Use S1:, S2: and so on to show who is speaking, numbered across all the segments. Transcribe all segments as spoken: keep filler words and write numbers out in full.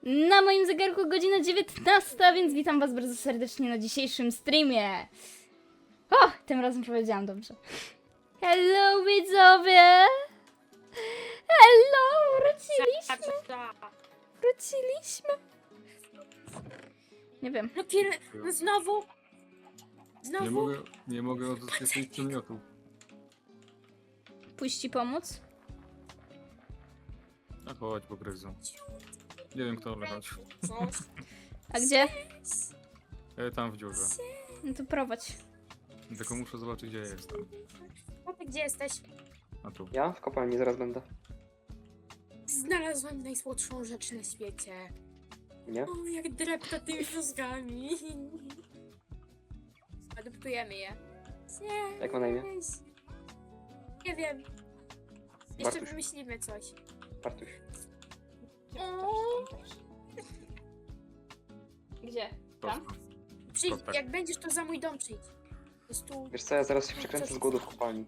S1: Na moim zegarku godzina dziewiętnasta, więc witam was bardzo serdecznie na dzisiejszym streamie. O, tym razem powiedziałam dobrze. Hello widzowie! Hello, wróciliśmy! Wróciliśmy! Nie wiem.
S2: No pier... No znowu?
S3: Nie
S2: Znowu?
S3: mogę, nie mogę odzyskać swoich przedmiotów.
S1: Pójść ci pomóc?
S3: A chodź, po gryzu. Nie wiem kto, ale chodź.
S1: A gdzie?
S3: E, tam w dziurze.
S1: No to prowadź.
S3: Tylko muszę zobaczyć gdzie ja jestem.
S2: No ty gdzie jesteś?
S3: A tu.
S4: Ja? W kopalni zaraz będę.
S2: Znalazłam najsłodszą rzecz na świecie.
S4: Nie?
S2: O, jak drepta tymi mózgami. Adoptujemy je. Nie.
S4: Jak ma na imię?
S2: Nie wiem. Jeszcze
S4: Bartuś.
S2: wymyślimy coś.
S4: Bartuś.
S2: O,
S1: Gdzie? Tam?
S3: Prosto.
S2: przyjdź,
S3: tak.
S2: jak będziesz, to za mój dom przyjdź. Jest tu.
S4: Wiesz co, ja zaraz się przekręcę z głodu w kopalni.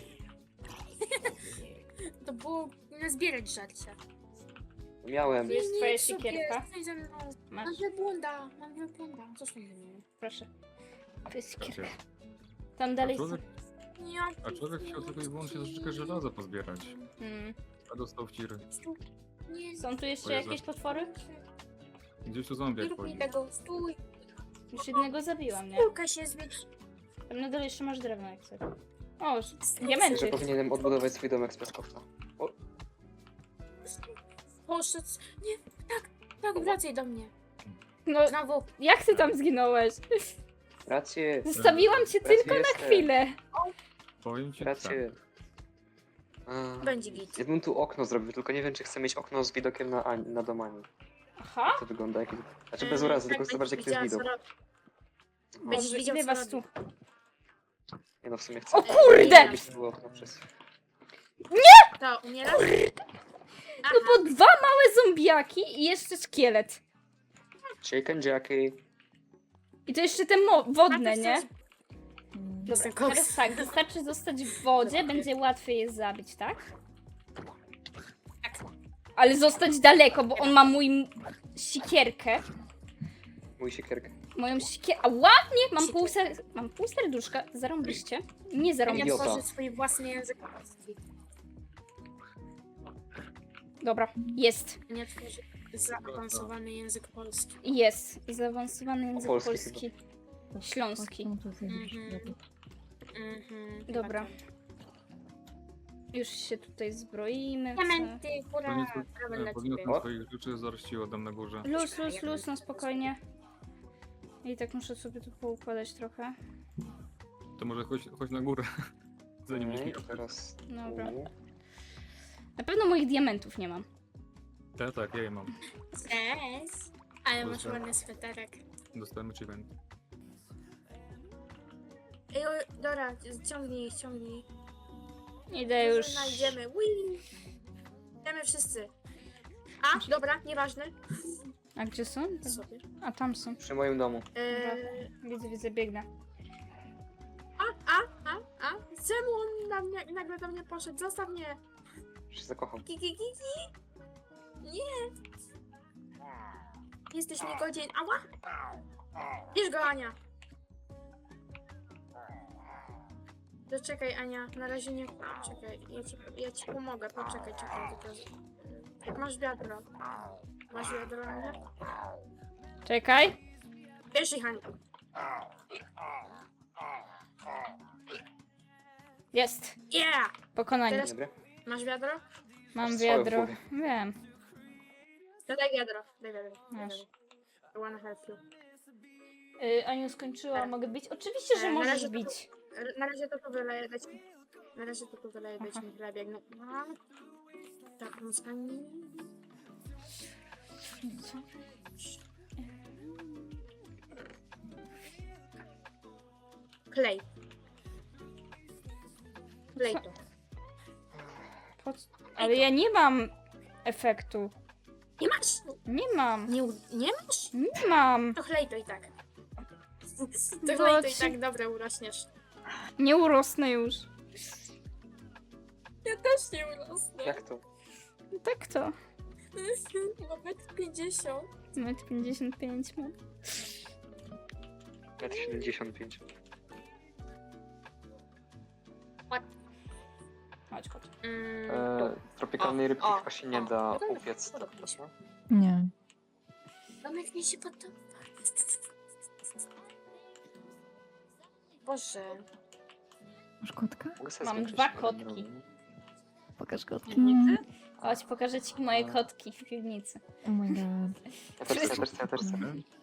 S2: To było nazbierać żarcia.
S4: Miałem.
S1: Tu jest
S2: Nie,
S1: twoja
S2: nie, sobie,
S1: siekierka.
S2: stój ze mną.
S1: Masz,
S2: Mam wielbłąda, mam wielbłąda. Co z tym zrobię?
S1: proszę. To jest siekierka.
S3: Wiecie,
S1: Tam
S3: A
S1: dalej...
S3: człowiek,
S2: Nie,
S3: a człowiek chciał tylko i wyłącznie troszeczkę żelaza pozbierać.
S1: Hmm.
S3: A dostał w tiry.
S2: stój. Nie,
S1: Są tu jeszcze
S3: O Jezu.
S1: jakieś potwory?
S3: Gdzieś tu
S2: nie
S3: zombiak
S2: rób mi
S3: chodzi.
S2: tego, stój.
S1: Już jednego zabiłam, nie?
S2: Piłka się zmieć.
S1: Tam na dole jeszcze masz drewno jak chcesz. O,
S4: Że
S1: diamenty.
S4: powinienem odbudować swój domek z piaskowca. O,
S2: Poszedł. Nie, tak, tak, wracaj do mnie.
S1: No,
S2: Znowu.
S1: jak ty tam zginąłeś?
S4: rację.
S1: Zostawiłam cię
S4: Rację
S1: tylko na
S4: jestem.
S1: chwilę.
S3: Powiem ci tak.
S4: Rację. A,
S2: Będzie git.
S4: ja bym tu okno zrobił, tylko nie wiem czy chcę mieć okno z widokiem na, Ani- na dom Ani.
S1: Aha.
S4: To wygląda jak... Znaczy bez urazy, tylko chcę zobaczyć jaki to jest widok. O,
S2: Będziesz widział,
S1: Ile
S2: co
S1: was tu?
S2: robię.
S4: nie no, w sumie chcę.
S1: O kurde!
S4: Żebyś to było okno przez...
S2: To, umierasz? Aha,
S1: No bo dwa małe zombiaki i jeszcze szkielet.
S4: Chicken Jackie.
S1: I to jeszcze te mo- wodne,
S2: Najpierw
S1: nie?
S2: coś-
S1: Dobra,
S2: Jestem koks.
S1: teraz tak, wystarczy zostać w wodzie, będzie łatwiej je zabić, tak?
S2: Tak.
S1: Ale zostać daleko, bo on ma mój m- sikierkę.
S4: Mój siekierkę.
S1: Moją sikierkę. A ładnie! Mam pół, ser- mam pół serduszka. Zarąbiście. Nie
S2: Ja
S1: zarąbiście.
S4: Idiota.
S2: tworzę swój własny język polski.
S1: Dobra, jest.
S2: Nie tworzę zaawansowany język polski.
S1: Jest. Zaawansowany język
S4: polski
S1: polski. Śląski.
S2: Mhm. Mhm.
S1: Dobra. Już się tutaj zbroimy. co?
S2: Diamenty, hurra!
S3: Podniosłem,
S2: Brawo
S3: e,
S2: dla ciebie.
S3: podniosłem
S4: O.
S3: swoich rzeczy, zaraz ci oddam na górze.
S1: Luz, luz, luz, no spokojnie. I tak muszę sobie tu poukładać trochę.
S3: To może chodź, chodź na górę. Zanim
S4: Okej,
S3: okay.
S4: teraz...
S1: Dobra.
S4: tu.
S1: Na pewno moich diamentów nie mam.
S3: Tak, tak, ja je mam.
S2: Cześć! Ale masz
S3: Dobra.
S2: ładny sweterek.
S3: Dostałem achievement.
S2: Ej, o, Dora, ciągnij, ciągnij.
S1: Idę już.
S2: Znajdziemy. Whee! Idziemy wszyscy. A, dobra, nieważne.
S1: A gdzie są?
S2: Sobie.
S1: A tam są.
S4: Przy moim domu.
S2: Eee,
S1: Widzę, widzę, biegnę.
S2: a, a, a, a. Czemu on na mnie, nagle do mnie poszedł? Zostaw mnie.
S4: Już się zakocham.
S2: Ki, ki, ki, ki. Nie. Jesteś niegodzien. Ała. Bierz go, Ania. Zaczekaj, Ania. Na razie nie... Czekaj, ja ci, ja ci pomogę. Poczekaj, czekaj. Tylko... Jak masz wiadro. Masz wiadro, Ania?
S1: Czekaj.
S2: Bierz ich, Ania.
S1: Jest.
S2: Yeah!
S1: Pokonanie.
S2: Teraz-
S4: Dobry.
S2: Masz wiadro?
S1: Mam
S4: Masz swoją
S1: wiadro.
S4: furię.
S1: Wiem.
S2: To daj wiadro. Daj wiadro. Daj
S1: Masz.
S2: wiadro. I wanna help you.
S1: Yy, Aniu skończyła, mogę bić? Oczywiście, że
S2: E, na
S1: możesz
S2: razie to-
S1: bić.
S2: R- Na razie to tu wyleję dać mi. Na razie to tu wyleję dać
S1: Aha.
S2: mi chleb, jak no. A, tak, no skani. Klej. Klej to.
S1: Po co? Ale ja nie mam efektu.
S2: Nie masz!
S1: Nie mam.
S2: Nie, u- nie masz?
S1: Nie mam.
S2: To chlej to i tak. To
S1: Bo
S2: chlej to i
S1: ci-
S2: tak, dobra, urośniesz.
S1: Nie urosnę już.
S2: Ja też nie urosnę.
S4: Jak to?
S1: Tak to.
S2: Nawet pięćdziesiąt.
S1: metr pięćdziesiąt pięć mam.
S4: metr siedemdziesiąt pięć.
S1: Chodź, chodź.
S2: Mm,
S4: E, tropikalnej
S2: O,
S4: rybki
S2: o,
S4: chyba się nie
S2: o.
S4: da
S2: Podoba-
S4: upiec.
S2: podoba mi się.
S5: Nie.
S2: Domek mi się podoba. Boże.
S5: Masz kotka?
S4: Mogę sobie
S1: Mam
S4: zwiększyć
S1: dwa
S4: ten
S1: kotki.
S4: rower?
S5: Pokaż kotki.
S6: Piwnicy?
S1: Chodź, pokażę ci moje kotki w piwnicy.
S5: Oh my god.
S4: Ja też chcę, ja też chcę, ja też chcę.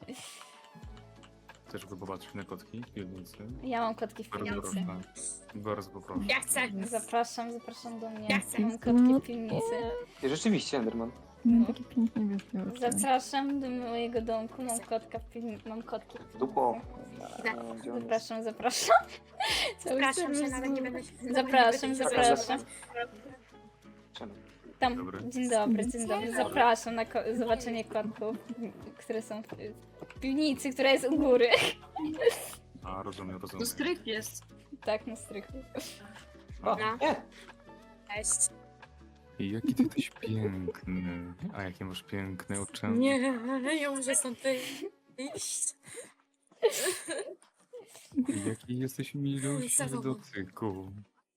S3: Chcesz popatrzeć na kotki w piwnicy?
S1: Ja mam kotki w
S3: Bardzo
S1: piwnicy.
S3: proszę. Bardzo poproszę.
S2: Ja chcę.
S1: Zapraszam, zapraszam do mnie.
S2: Ja chcę.
S1: Mam kotki w piwnicy.
S4: I rzeczywiście, Enderman.
S5: No, takie pięknie wielkie oczy.
S1: Zapraszam do mojego domku. Mam kotka w piwnicy. Mam kotki.
S4: Dupo.
S2: Tak.
S4: E, gdzie on jest?
S1: Zapraszam, zapraszam. Cały
S2: Zapraszam się,
S1: serwis
S2: nawet nie będę się...
S1: Zapraszam, zapraszam.
S4: Czemu?
S1: Tam,
S3: Dobry.
S1: dzień dobry, dzień dobry. Zapraszam na ko- zobaczenie kotków, które są w, w piwnicy, która jest u góry.
S3: A, rozumiem,
S6: To
S3: rozumiem.
S6: strych jest.
S1: Tak, na strychu.
S4: A,
S2: No.
S4: nie!
S2: Cześć.
S3: I jaki ty jesteś piękny. A jakie masz piękne oczy.
S2: Nie, ja muszę stąd iść.
S3: I jaki jesteś miluśny
S2: Za
S3: w
S2: tobą.
S3: dotyku.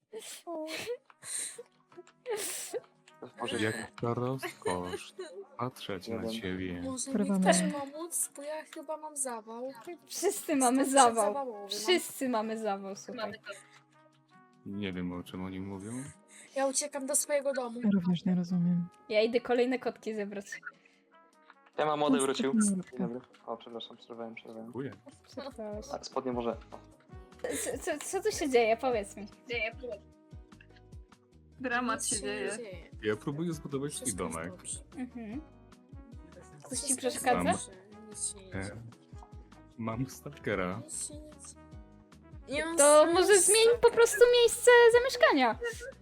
S4: Może
S3: Jaka rozkosz. Patrzeć na
S4: Jeden.
S3: ciebie.
S2: Może mi
S5: Porywamy.
S2: ktoś pomóc, bo ja chyba mam zawał.
S1: Wszyscy mamy
S2: Jestem
S1: zawał.
S2: przedzawałowy, mam-
S1: Wszyscy mamy zawał, słuchaj.
S3: Nie wiem, o czym oni mówią.
S2: Ja uciekam do swojego domu.
S5: Ja również nie rozumiem.
S1: Ja idę kolejne kotki zebrać.
S4: Ja mam młody wrócił.
S5: Jest
S4: Dzień
S5: taka
S4: dobry. O, przepraszam, przerwałem, przerwałem.
S3: Dziękuję.
S1: Przepraszam.
S4: A, spodnie może. O.
S1: Co, co, co tu się dzieje? Powiedz mi.
S6: Dramat
S2: Nic
S6: się dzieje.
S3: Ja próbuję zbudować swój
S2: Wszystko jest
S3: domek.
S2: dobrze.
S1: Mhm. Coś ci
S2: Wszystko jest
S1: przeszkadza?
S2: dobrze. Nic się nie
S3: E,
S2: dzieje.
S3: mam stalkera.
S2: Nic się nie dzieje. Nie mam
S1: To
S2: sensu.
S1: może zmień po prostu miejsce zamieszkania.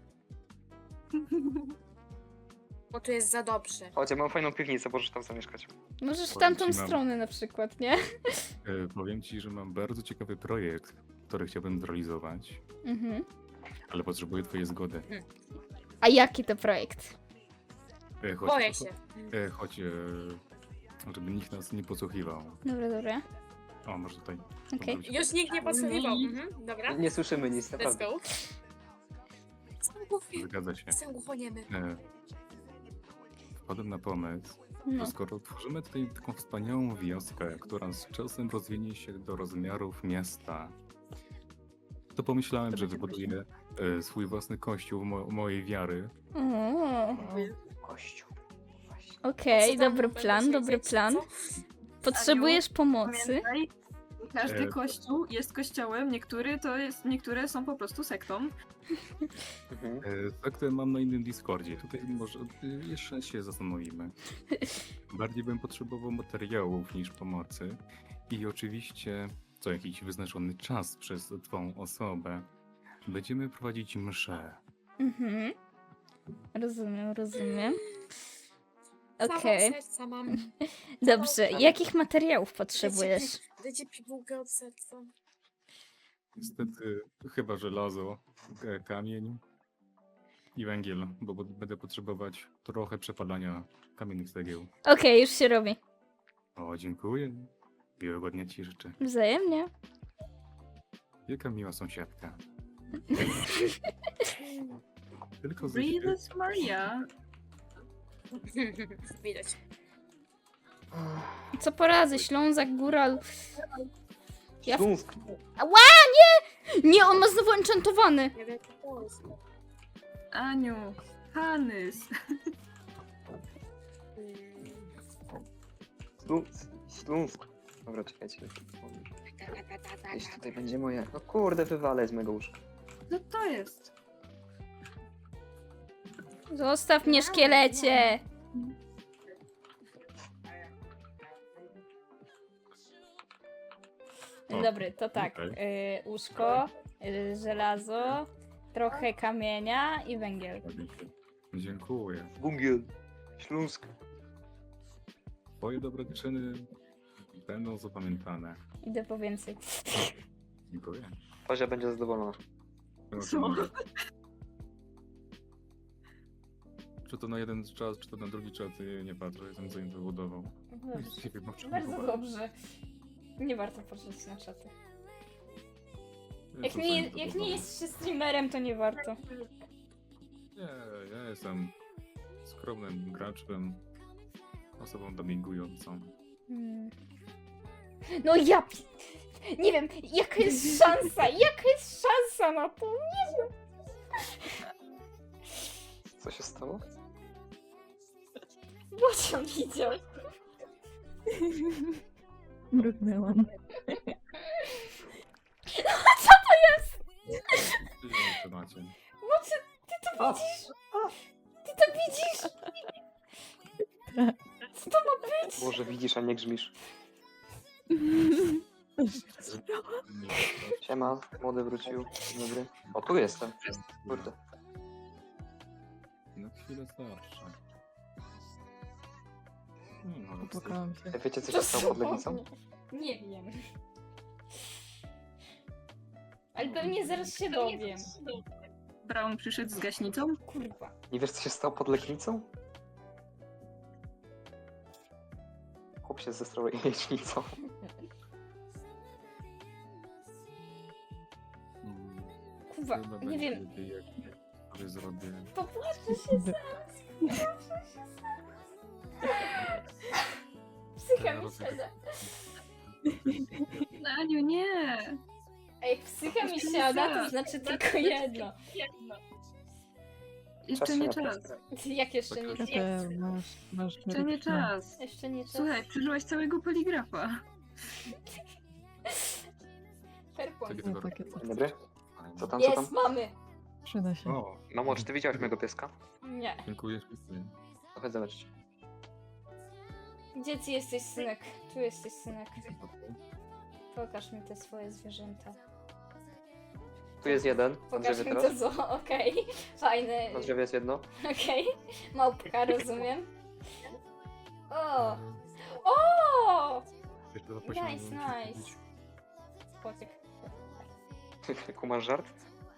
S2: Bo tu jest za dobrze.
S4: Chodź, ja mam fajną piwnicę, możesz tam zamieszkać.
S1: Możesz w
S3: Powiem
S1: tamtą
S3: ci, mam-
S1: stronę na przykład, nie?
S3: E, powiem ci, że mam bardzo ciekawy projekt, który chciałbym zrealizować,
S1: Mhm.
S3: ale potrzebuję twojej zgody.
S1: A jaki to projekt?
S3: E, choć,
S2: Boję się.
S3: E, choć, e, żeby nikt nas nie podsłuchiwał.
S1: Dobra, dobra.
S3: O, może tutaj.
S1: Okej.
S3: Może być-
S2: Już nikt nie podsłuchiwał. Mhm, dobra.
S4: Nie słyszymy nic,
S2: Let's
S4: naprawdę.
S2: go. Jestem głuchy.
S3: Zgadza się.
S2: Jestem głuchoniemy.
S3: E, wpadłem na pomysł,
S1: No.
S3: że skoro tworzymy tutaj taką wspaniałą wioskę, która z czasem rozwinie się do rozmiarów miasta, to pomyślałem,
S6: To
S3: że
S6: będzie
S3: wybuduję e, swój własny kościół mo mojej wiary.
S1: O,
S4: Kościół. Właśnie.
S1: Okej,
S2: Co tam
S1: dobry
S2: będę
S1: plan, dobry
S2: siedzieć,
S1: plan.
S2: co?
S1: Potrzebujesz pomocy?
S6: Pamiętaj, każdy
S3: E,
S6: kościół jest kościołem, niektóry to jest, niektóre są po prostu sektą.
S4: Mhm.
S3: E, Sekty mam na innym Discordzie. Tutaj może e, jeszcze się zastanowimy. Bardziej bym potrzebował materiałów niż pomocy. I oczywiście co jakiś wyznaczony czas przez twą osobę będziemy prowadzić mszę.
S1: Mhm. Rozumiem, rozumiem.
S2: Zawał
S1: Okej,
S2: serca mam.
S1: dobrze. Jakich materiałów potrzebujesz?
S2: Dajcie pigułkę od serca.
S3: Niestety chyba żelazo, k- kamień i węgiel, bo bo będę potrzebować trochę przepalania kamiennych cegieł.
S1: Okej, już się robi.
S3: O, dziękuję. Miłego dnia ci życzę.
S1: Wzajemnie.
S3: Jaka miła sąsiadka. Tylko ze świe-
S6: Jesus Maria.
S2: Widać.
S1: Co poradzę, Ślązak, Góral. Ja w-
S4: Śląsk.
S1: Nie, on ma znowu enchantowany.
S2: Nie wiem, jak to jest.
S6: Aniu. Hanys.
S2: Mm,
S4: Śląsk. Śląsk. Dobra, czekajcie.
S2: ta, ta, ta, ta, ta,
S4: Gdzieś
S2: ta.
S4: tutaj będzie moje. No kurde, wywalę z mego łóżka.
S6: Co to jest?
S1: Zostaw mnie, szkielecie.
S3: O,
S1: Dobry, to tak.
S3: okej.
S1: Y, łóżko, y, żelazo, trochę kamienia i węgiel.
S3: Dziękuję.
S4: Bungiel. Śląsk.
S3: Twoje dobre czyny będą zapamiętane.
S1: Idę po więcej.
S3: Dziękuję.
S4: Fazia będzie zadowolona.
S6: Co?
S3: czy to na jeden czas, czy to na drugi czas, y, nie patrzę, jestem zainteresował.
S1: Dobrze.
S3: Nie wiem, o czym
S1: Bardzo
S3: mowa.
S1: dobrze. Nie warto patrzeć na czaty. Jak
S3: Jestem
S1: nie, jak
S3: zainteresowany.
S1: nie jest się streamerem, to nie warto.
S3: Nie, ja jestem skromnym graczem, osobą domingującą.
S1: Hmm. No ja... pi- Nie wiem, jaka jest szansa, jaka jest szansa na to? Nie wiem.
S4: Co się stało?
S1: Bocian widział.
S5: Mrugnęłam.
S3: Ty to macie.
S1: Bocian, ty to widzisz? Ty to widzisz? Co to ma być?
S4: Boże, widzisz, a nie grzmisz.
S3: Nie,
S4: Siema, młody wrócił. Dzień dobry. O, tu jestem. Kurde.
S3: na chwilę starsze. Nie no,
S5: Popłakałam się.
S4: Ej, Wiecie, co się stało pod Legnicą?
S1: Nie wiem. Ale pewnie zaraz się dowiem.
S6: Brown przyszedł z gaśnicą?
S1: Kurwa.
S4: Nie wiesz, co się stało pod Legnicą? Chłop się zestrał jajecznicą.
S3: Mm,
S1: Kurwa,
S3: chyba
S1: nie
S3: będzie
S1: wiem.
S3: lepiej, jak sobie zrobię.
S1: Popłaczę się zaraz. Popłaczę się zaraz. Psycha mi siada.
S6: No, Aniu, nie!
S1: A jak psycha mi siada, to znaczy tylko jedno.
S6: Jeszcze
S4: Czas
S6: nie
S4: się
S6: czas.
S4: naprać.
S1: Jak jeszcze nie
S3: Tak,
S1: czas?
S5: Kater, masz, masz
S6: Jeszcze nie
S5: liryczne.
S6: czas.
S1: Jeszcze nie czas.
S6: Słuchaj, przeżyłaś całego poligrafa.
S1: Fair point.
S3: Takie
S5: Nie,
S3: tylko-
S5: takie coś.
S4: Dzień dobry. Co tam, co tam?
S1: Jest, mamy.
S5: Przyda się.
S3: O,
S4: Mamo, czy ty widziałaś mojego pieska?
S1: Nie.
S3: dziękuję, dziękuję.
S4: To chodź zobaczyć.
S1: Gdzie ty jesteś, synek? Tu jesteś, synek. Pokaż mi te swoje zwierzęta.
S4: Tu jest jeden, na
S1: Pokaż
S4: drzewie
S1: mi
S4: teraz.
S1: to zo, okej. Fajne.
S4: Na drzewie jest jedno.
S1: Okej. Małpka, rozumiem. O! O!
S3: Jeszcze dwa poziomy
S1: Nice,
S3: muszę
S1: nice.
S3: kupić.
S1: Kotek.
S4: Kumasz żart?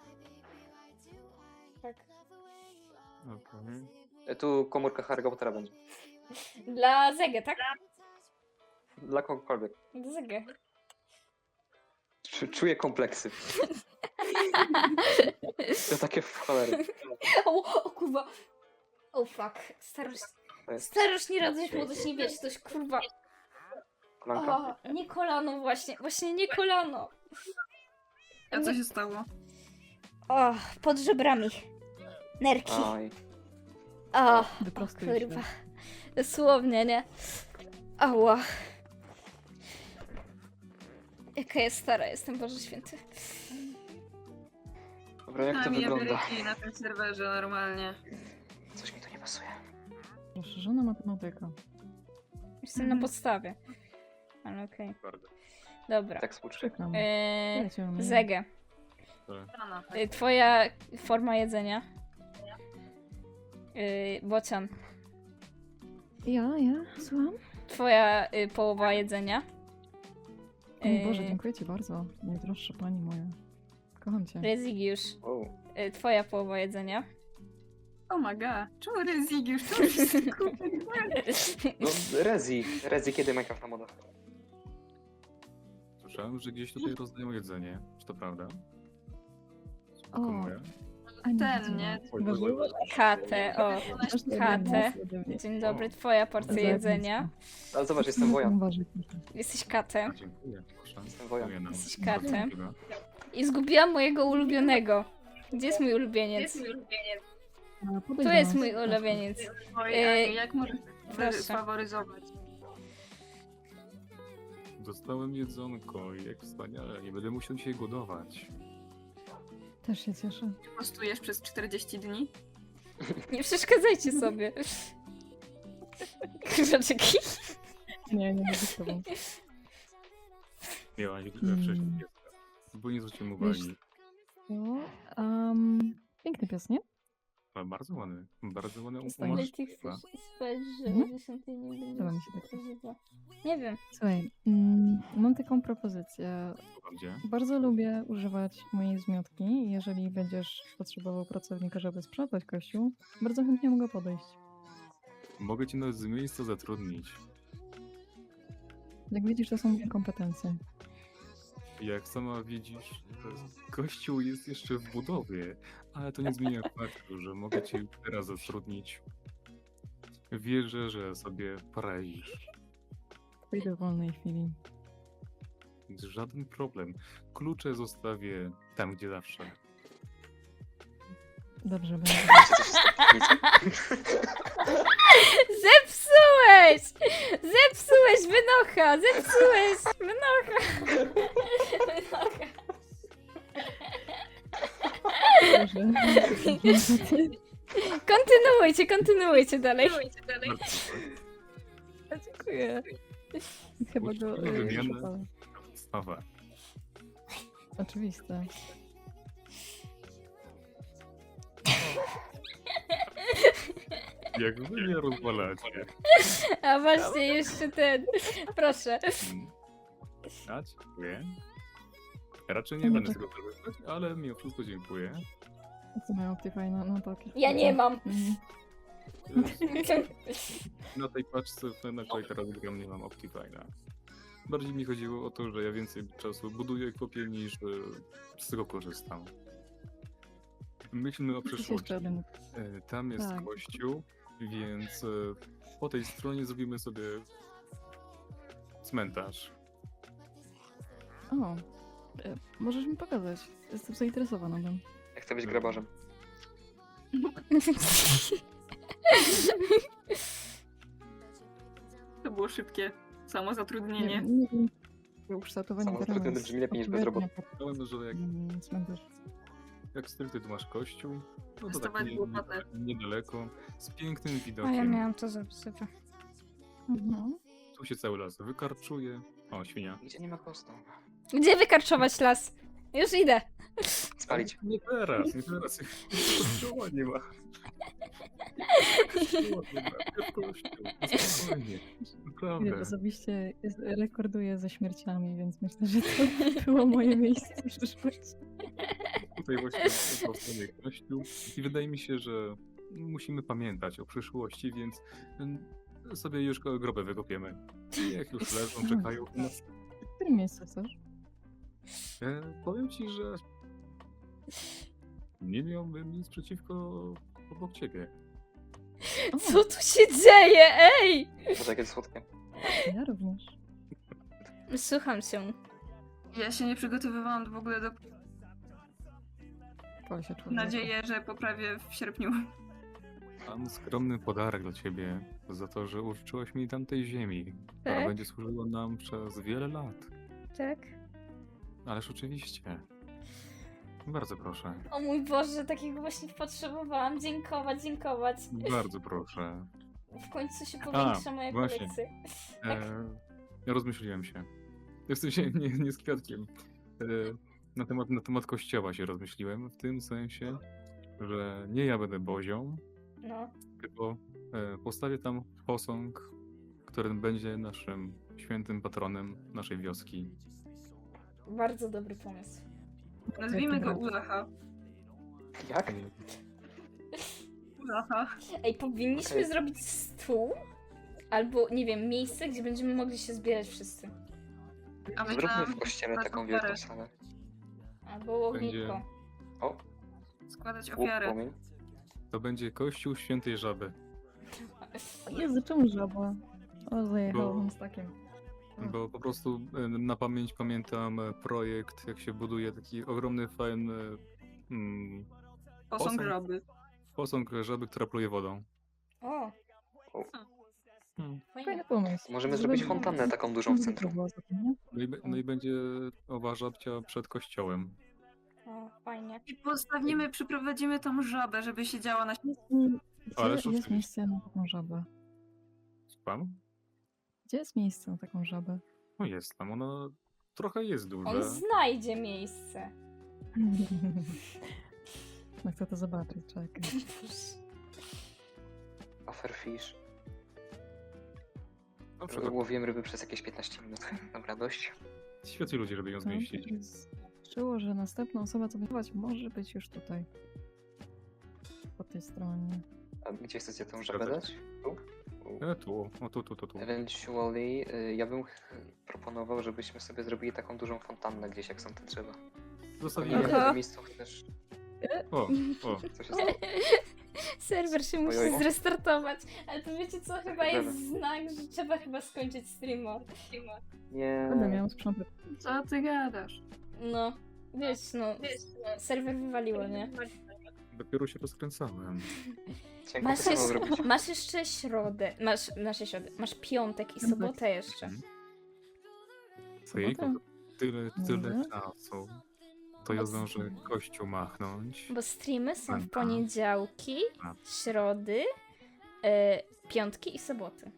S1: Tak.
S3: Okej.
S4: E, Tu komórka Harry'ego Pottera będzie.
S1: Dla Zegę, tak?
S4: Dla kogokolwiek.
S1: Dla Zegę.
S4: Czu- Czuję kompleksy. To takie w cholery.
S1: O, o kurwa. O fuck. Starość.
S4: To jest
S1: Starość, nie radość, młodość, nie wiesz, coś kurwa.
S4: kolanka.
S1: O, nie kolano właśnie. Właśnie nie kolano.
S6: A co się stało?
S1: O, pod żebrami. Nerki.
S4: Oj.
S1: O,
S5: Wyprostuj
S1: kurwa.
S5: się.
S1: Dosłownie, nie? Ała. Jaka jest stara jestem, Boże Święty.
S4: Dobra, jak to
S6: Tam
S4: wygląda?
S6: Ameryki na tym serwerze normalnie.
S4: Coś mi tu nie pasuje.
S5: Rozszerzona matematyka.
S1: Jestem
S6: Mhm.
S1: na podstawie. Ale okej.
S3: Bardzo.
S1: Dobra.
S4: Tak współczuję.
S5: Przykro mi.
S1: Eee,
S5: Jedziemy.
S1: Zegę.
S6: Rana.
S1: Y, Twoja forma jedzenia. Yy, bocian.
S5: Ja, ja, słucham?
S1: Twoja y, połowa jedzenia.
S5: O mój Boże,
S1: Yy,
S5: dziękuję ci bardzo. Najdroższa pani moja. Kocham cię.
S1: Rezygiusz.
S4: O,
S1: Y, twoja połowa jedzenia.
S6: Oh my god. Czemu Rezygiusz? Czemu wszystko?
S4: no Rezi. Rezi, kiedy Minecraft na modach?
S3: Słyszałem, że gdzieś tutaj rozdają jedzenie. Czy to prawda?
S5: O,
S3: Komuję?
S5: a nie
S6: Ten,
S5: widziałam.
S6: nie?
S3: Oj,
S5: Boże.
S3: oj, oj.
S1: Katę, o.
S5: Masz to
S1: Katę.
S5: ode mnie.
S1: Dzień dobry, twoja porcja
S5: Zajebiste.
S1: jedzenia.
S4: Ale zobacz, jestem wojan.
S5: Uważaj, proszę.
S1: Jesteś katem.
S3: Dziękuję, proszę.
S4: Jestem wojan.
S3: Dziękuję nam.
S1: Jesteś
S3: Bardzo
S1: katem.
S3: miłe.
S1: I zgubiłam mojego ulubionego. Gdzie jest mój ulubieniec?
S5: A, podejdź
S1: Tu
S5: do
S1: jest
S5: nas.
S1: mój ulubieniec.
S6: Oj,
S1: Yy,
S6: Aniu, jak możesz
S1: proszę.
S6: faworyzować?
S3: Dostałem jedzonko i jak wspaniale. Nie będę musiał dzisiaj głodować.
S5: Też się cieszę.
S6: Postujesz przez czterdzieści dni?
S1: Nie przeszkadzajcie sobie. Krzaczeki.
S5: Nie, nie mogę z tobą.
S3: Miała nie tyle
S5: Mm.
S3: wcześniej pieska. Bo nie zwróciłem
S5: Wiesz-
S3: uwagi.
S5: No, um, piękny pies, nie?
S3: Ale bardzo ładny. Bardzo ładny
S5: Zostań.
S3: umarz.
S1: Ale ty chcesz spać, że o
S5: Mhm.
S1: dziesiątej nie będzie
S5: Podoba mi się tak.
S1: żywo. Nie wiem.
S5: Słuchaj, mm, mam taką propozycję.
S3: Gdzie?
S5: Bardzo lubię używać mojej zmiotki. Jeżeli będziesz potrzebował pracownika, żeby sprzątać kościół, bardzo chętnie mogę podejść.
S3: Mogę cię nawet z miejsca zatrudnić.
S5: Jak widzisz, to są moje kompetencje.
S3: Jak sama widzisz, to kościół jest jeszcze w budowie, ale to nie zmienia faktu, że mogę cię już teraz zatrudnić. Wierzę, że sobie poradzisz.
S5: Pójdę w wolnej chwili.
S3: Żaden problem. Klucze zostawię tam, gdzie zawsze.
S5: Dobrze będzie.
S4: Wiecie, co się stało w piwnicy?
S1: Zepsułeś! Zepsułeś, wynocha! Zepsułeś! Wynocha! Wynocha!
S5: Dobrze.
S1: Kontynuujcie, kontynuujcie dalej.
S5: A, dziękuję. Chyba go
S3: Uczciwe
S5: y,
S3: wymiany.
S5: szukałem.
S3: Podstawa.
S5: Oczywiste.
S3: Jak wy mnie rozwalacie.
S1: A właśnie, jeszcze ten. Proszę.
S3: Mm. A, dziękuję. Raczej nie
S5: Nie,
S3: będę
S5: to-
S3: tego korzystać, ale mimo wszystko dziękuję.
S5: Co mają Optifine? No tak.
S1: Ja nie mam.
S5: Mhm.
S3: Na tej paczce, na której teraz gram, nie mam Optifine'a. Bardziej mi chodziło o to, że ja więcej czasu buduję kopię niż e, z tego korzystam. Myślmy o
S5: Jest
S3: przyszłości.
S5: jeszcze jeden.
S3: E, Tam jest
S5: Tak.
S3: kościół, więc e, po tej stronie zrobimy sobie cmentarz.
S5: O, e, możesz mi pokazać. Jestem zainteresowana tym.
S4: Ja chcę być grabarzem.
S6: To było szybkie. Samo zatrudnienie.
S5: Nie, nie wiem. Ukształtowanie
S4: Samo
S5: terenu
S4: zatrudniony
S5: jest
S4: brzmi lepiej niż
S5: odpowiednie
S4: bezrobotny.
S5: pod,
S3: Myślałem, że jak,
S5: mm, cmentarz.
S3: jak stricte tu masz kościół, no to tak
S6: Dostawać
S3: nie,
S6: łopatę.
S3: nie, niedaleko, z pięknym
S1: A ja
S3: widokiem.
S1: miałam to zapisane.
S5: Mhm.
S3: Tu się cały las wykarczuje. O, świnia.
S4: Nigdzie nie ma kostu.
S1: Gdzie wykarczować las? Już idę.
S4: Spalić.
S3: Nie teraz, nie teraz. Kościoła nie ma. Kościoła nie ma. Nie w kościół. Spokojnie.
S5: Ja
S3: Naprawdę.
S5: osobiście jest- rekorduję ze śmierciami, więc myślę, że to było moje miejsce w przyszłości.
S3: Tutaj właśnie powstanie kościół. I wydaje mi się, że musimy pamiętać o przyszłości, więc mm, sobie już go- grobę wykopiemy. I jak już leżą, czekają na nas.
S5: W którym miejscu chcesz?
S3: E, powiem ci, że nie miałbym nic przeciwko obok ciebie.
S5: O,
S1: Co tu się dzieje? Ej!
S4: Boże, jakie słodkie.
S5: ja również.
S1: Słucham się.
S6: Ja się nie przygotowywałam w ogóle do
S5: Pal się człowiek.
S6: nadzieję, że poprawię w sierpniu.
S3: Mam skromny podarek dla ciebie za to, że użyczyłaś mi tamtej ziemi, która
S1: Tak?
S3: będzie służyła nam przez wiele lat.
S1: Tak?
S3: Ależ oczywiście. Bardzo proszę.
S1: O mój Boże, takiego właśnie potrzebowałam. Dziękować, dziękować.
S3: Bardzo proszę.
S1: W końcu się powiększa moja
S3: właśnie.
S1: kolekcja.
S3: E, rozmyśliłem się. W sensie nie, nie z kwiatkiem. E, na, temat, na temat kościoła się rozmyśliłem, w tym sensie, że nie ja będę bozią,
S1: No.
S3: tylko e, postawię tam posąg, który będzie naszym świętym patronem naszej wioski.
S1: Bardzo dobry pomysł.
S6: Nazwijmy go
S5: brat.
S6: Ulacha.
S4: Jak?
S6: Ulacha.
S1: Ej, powinniśmy
S4: Okej.
S1: zrobić stół, albo nie wiem, miejsce, gdzie będziemy mogli się zbierać wszyscy.
S6: A
S4: Zróbmy
S6: myślałam,
S4: w kościele
S6: że
S4: taką
S6: ofiarę.
S4: wielką salę.
S1: Albo
S3: Będzie-
S1: ognisko.
S4: O,
S6: Składać
S4: łuk,
S6: ofiarę.
S4: płomień.
S3: To będzie kościół świętej żaby.
S5: Jezu, czemu żaba? O, zajechałam
S3: Bo-
S5: z takim.
S3: Bo po prostu e, na pamięć pamiętam e, projekt, jak się buduje taki ogromny, fajny mm,
S6: Posąg
S3: Posąg.
S6: żaby.
S3: posąg żaby, która pluje wodą.
S1: O,
S3: Hmm.
S1: fajnie.
S5: Fajny pomysł.
S4: Możemy
S5: Żeby-
S4: zrobić fontannę taką dużą w centrum.
S5: Było za tym, nie?
S3: No, i, be- no i będzie owa żabcia przed kościołem.
S1: O, fajnie.
S6: I postawimy, przyprowadzimy tam żabę, żeby siedziała na
S5: Jest, mi-
S3: Ależ
S5: Gdzie jest
S3: oczywiście.
S5: miejsce na taką żabę?
S3: Słucham?
S5: Gdzie jest miejsce na taką żabę?
S3: No jest tam, ona trochę jest duża.
S1: On znajdzie miejsce.
S5: No chcę to zobaczyć, czekaj.
S4: Offerfish.
S3: Na przykład
S4: Łowiłem ryby przez jakieś piętnaście minut. Dobra, dość.
S3: świetni ludzie, żeby ją zmieścić.
S5: Czuło, że następna osoba, co będzie chować, może być już tutaj. Po tej stronie.
S4: A gdzie chcecie tą żabę dać? Tu? Tu.
S3: E, tu, o tu, tu, tu, tu.
S4: Eventually, y, ja bym ch- proponował, żebyśmy sobie zrobili taką dużą fontannę gdzieś, jak są te drzewa. Nie
S3: Zostawimy.
S4: wiem, w
S1: Aha.
S4: tym miejscu też.
S3: O, o.
S4: Co się stało?
S1: Serwer się musi
S4: Ojoj.
S1: zrestartować. Ale to wiecie co? Chyba
S4: Dobra.
S1: jest znak, że trzeba chyba skończyć streama.
S4: Nie.
S5: Będę miał sprzątać.
S6: Co ty gadasz?
S1: No, wiesz, no, serwer wywaliło, nie?
S3: Dopiero się rozkręcałem.
S4: Cienko
S1: Masz,
S4: to samo
S1: jeszcze,
S4: zrobić.
S1: masz jeszcze środę, masz, masz środę, masz piątek i sobotę jeszcze.
S3: Mhm. Ojejku,
S5: Sobotę?
S3: tyle, tyle
S5: Może?
S3: czasu. To ja zdążę kościół machnąć.
S1: Bo streamy są w
S3: Aha.
S1: poniedziałki,
S3: A.
S1: środy, e, piątki i soboty.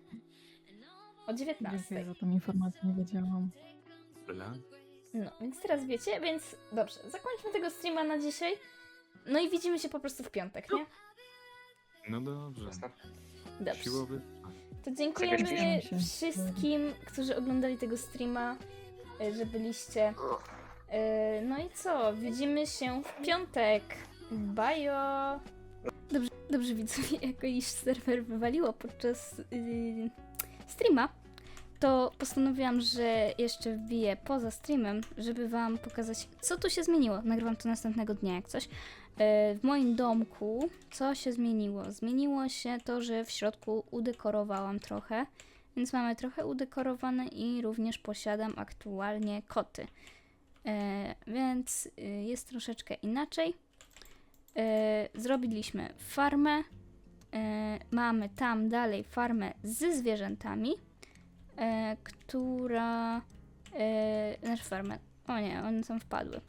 S1: O dziewiętnastej.
S5: Dziękuję za tą informację, nie wiedziałam.
S3: Tyle?
S1: No, więc teraz wiecie, więc dobrze, zakończmy tego streama na dzisiaj. No i widzimy się po prostu w piątek, nie?
S3: No dobrze.
S4: Jasne.
S1: Dobrze.
S3: Siłowy.
S1: To dziękujemy
S5: Zabierzmy się.
S1: wszystkim, którzy oglądali tego streama, e, że byliście. E, No i co? Widzimy się w piątek. Bajo! Dobrze, dobrze widzowie, jako iż serwer wywaliło podczas yy, streama, to postanowiłam, że jeszcze wbiję poza streamem, żeby wam pokazać, co tu się zmieniło. Nagrywam to następnego dnia, jak coś. E, W moim domku co się zmieniło? Zmieniło się to, że w środku udekorowałam trochę, więc mamy trochę udekorowane i również posiadam aktualnie koty. E, więc y, jest troszeczkę inaczej. E, zrobiliśmy farmę. E, mamy tam dalej farmę ze zwierzętami, e, która... E, znaczy farmę. O nie, one tam wpadły.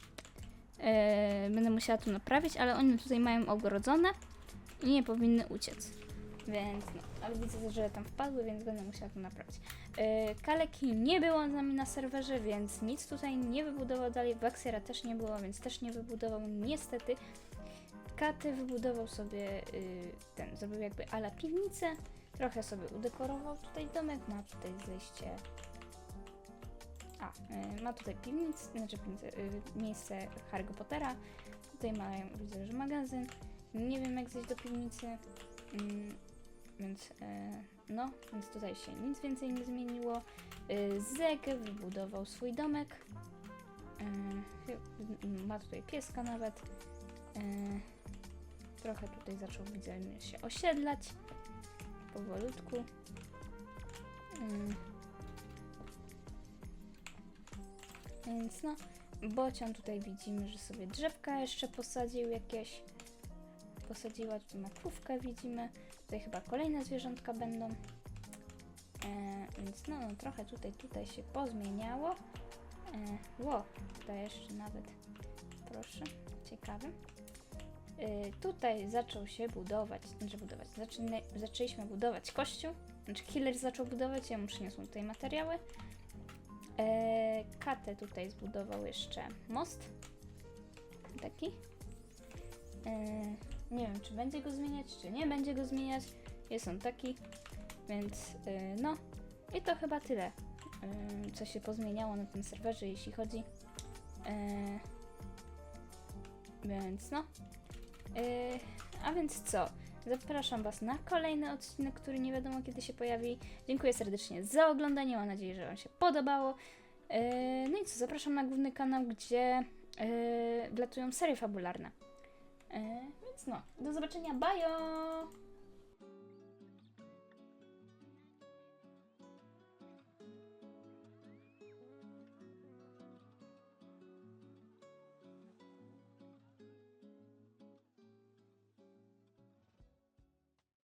S1: E, będę musiała to naprawić, ale one tutaj mają ogrodzone i nie powinny uciec. Więc no, ale widzę, że tam wpadły, więc będę musiała to naprawić. Yy, Kaleki nie było z nami na serwerze, więc nic tutaj nie wybudował dalej. Waxera też nie było, więc też nie wybudował niestety. Katy wybudował sobie yy, ten, zrobił jakby ala piwnicę. Trochę sobie udekorował tutaj domek, ma tutaj zejście. A, yy, ma tutaj piwnicę, znaczy piwnicę, yy, miejsce Harry'ego Pottera. Tutaj mają, widzę, że magazyn. Nie wiem jak zejść do piwnicy. Yy, Więc e, no, więc tutaj się nic więcej nie zmieniło. E, Zeg wybudował swój domek. E, chy- ma tutaj pieska nawet. E, trochę tutaj zaczął, widzę, się osiedlać. Powolutku. E, więc no, Bocian tutaj widzimy, że sobie drzewka jeszcze posadził jakieś. Posadziła tutaj makrówkę, widzimy. Tutaj chyba kolejne zwierzątka będą. E, więc no, no, trochę tutaj, tutaj się pozmieniało. E, ło, tutaj jeszcze nawet, proszę, ciekawe. E, tutaj zaczął się budować, znaczy budować, zaczyna, zaczęliśmy budować kościół. Znaczy killer zaczął budować, ja mu przyniosłem tutaj materiały. E, Katę tutaj zbudował jeszcze most. Taki. E, Nie wiem, czy będzie go zmieniać, czy nie będzie go zmieniać. Jest on taki, więc yy, no. I to chyba tyle, yy, co się pozmieniało na tym serwerze, jeśli chodzi. Yy, więc no. Yy, a więc co? Zapraszam Was na kolejny odcinek, który nie wiadomo kiedy się pojawi. Dziękuję serdecznie za oglądanie, mam nadzieję, że Wam się podobało. Yy, no i co? Zapraszam na główny kanał, gdzie yy, wlatują serie fabularne. Yy, więc no, do zobaczenia, bajo!